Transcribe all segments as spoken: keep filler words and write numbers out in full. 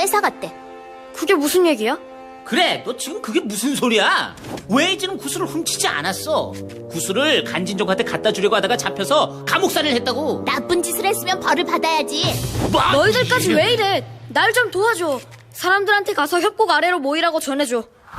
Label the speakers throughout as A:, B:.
A: 뺏어갔대.
B: 그게 무슨 얘기야?
C: 그래, 너 지금 그게 무슨 소리야? 웨이지는 구슬을 훔치지 않았어. 구슬을 간진족한테 갖다 주려고 하다가 잡혀서 감옥살이를 했다고.
A: 나쁜 짓을 했으면 벌을 받아야지.
C: 뭐?
B: 너희들까지 왜 이래? 날 좀 도와줘. 사람들한테 가서 협곡 아래로 모이라고 전해줘.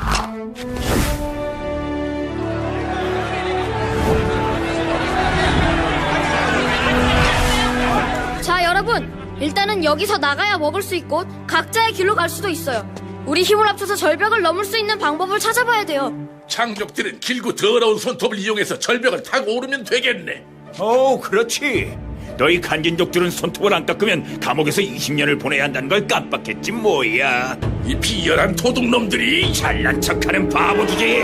B: 자, 여러분. 일단은 여기서 나가야 먹을 수 있고 각자의 길로 갈 수도 있어요. 우리 힘을 합쳐서 절벽을 넘을 수 있는 방법을 찾아봐야 돼요.
D: 장족들은 길고 더러운 손톱을 이용해서 절벽을 타고 오르면 되겠네.
E: 오, 그렇지. 너희 간진족들은 손톱을 안 깎으면 감옥에서 이십 년을 보내야 한다는 걸 깜빡했지 뭐야.
D: 이 비열한 도둑놈들이.
E: 잘난 척하는 바보주지.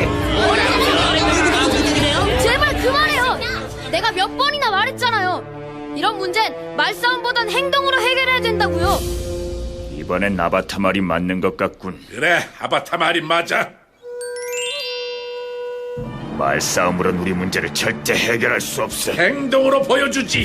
B: 제발 그만해요. 내가 몇 번이나 말했잖아요. 이런 문제는 말싸움보단 행동으로 해결해야 된다고요.
E: 이번엔 아바타 말이 맞는 것 같군.
D: 그래, 아바타 말이 맞아.
E: 말싸움으론 우리 문제를 절대 해결할 수 없어.
D: 행동으로 보여주지.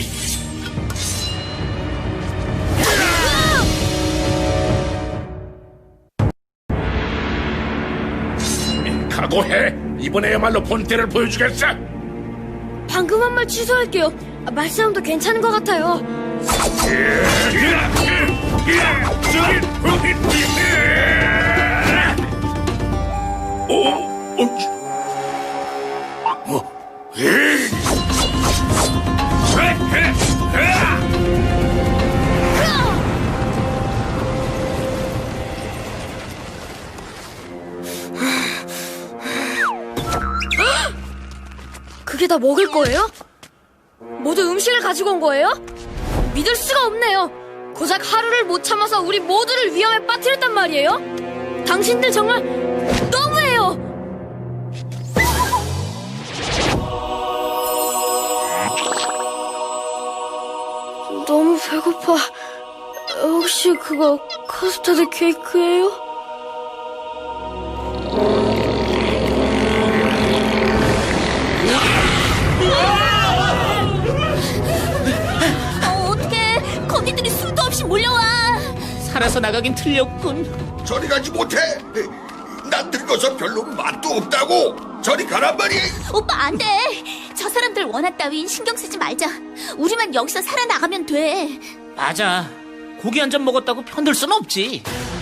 D: 각오해. 이번에야말로 본때를 보여주겠어.
B: 방금 한 말 취소할게요. 아, 말싸움도 괜찮은 것 같아요.
D: 오, 어, 어, 에이.
B: 그게 다 먹을 거예요? 모두 음식을 가지고 온 거예요? 믿을 수가 없네요. 고작 하루를 못 참아서 우리 모두를 위험에 빠뜨렸단 말이에요? 당신들 정말 너무해요. 너무 배고파. 혹시 그거 커스터드 케이크예요?
A: 어, 어떡해. 거미들이 수도 없이 몰려와.
C: 살아서 나가긴 틀렸군.
F: 저리 가지 못해. 난 늙어서 별로 맛도 없다고. 저리 가란 말이야.
A: 오빠 안 돼. 저 사람들 원한 따윈 신경 쓰지 말자. 우리만 여기서 살아나가면 돼.
C: 맞아. 고기 한 점 먹었다고 편들 순 없지.